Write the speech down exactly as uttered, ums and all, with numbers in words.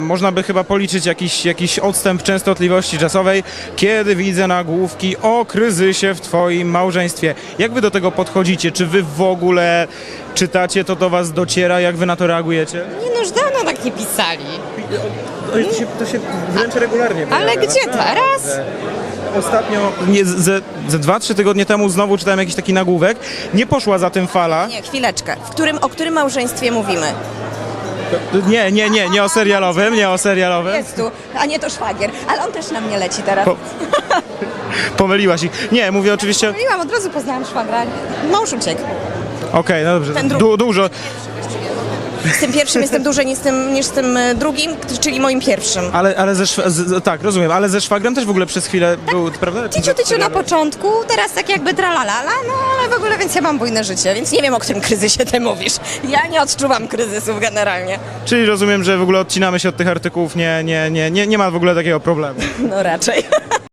można by chyba policzyć jakiś, jakiś odstęp częstotliwości czasowej, kiedy widzę nagłówki o kryzysie w twoim małżeństwie. Jak wy do tego podchodzicie? Czy wy w ogóle czytacie, to do was dociera? Jak wy na to reagujecie? Nie no, już dawno tak nie pisali. To się, to się wręcz regularnie Ale pojawia, gdzie naprawdę. teraz? Ostatnio, nie, ze, ze dwa, trzy tygodnie temu znowu czytałem jakiś taki nagłówek. Nie poszła za tym fala. Nie, chwileczkę. W którym, o którym małżeństwie mówimy? Nie, nie, nie, nie o serialowym, nie o serialowym. Jest tu, a nie to szwagier, ale on też na mnie leci teraz. Po, pomyliłaś ich. Nie, mówię oczywiście... Mówiłam, od razu poznałam szwagra. Mąż uciekł. Okej, no dobrze. Ten drugi. Du, dużo. Z tym pierwszym jestem dłużej niż z tym, niż z tym e, drugim, czyli moim pierwszym. Ale, ale ze szw- z, tak, rozumiem, ale ze szwagrem też w ogóle przez chwilę był, prawda? Tyciu, tyciu na początku, teraz tak jakby tralalala, no ale w ogóle, więc ja mam bujne życie, więc nie wiem, o którym kryzysie ty mówisz. Ja nie odczuwam kryzysów generalnie. Czyli rozumiem, że w ogóle odcinamy się od tych artykułów, nie, nie, nie, nie, nie ma w ogóle takiego problemu. No raczej.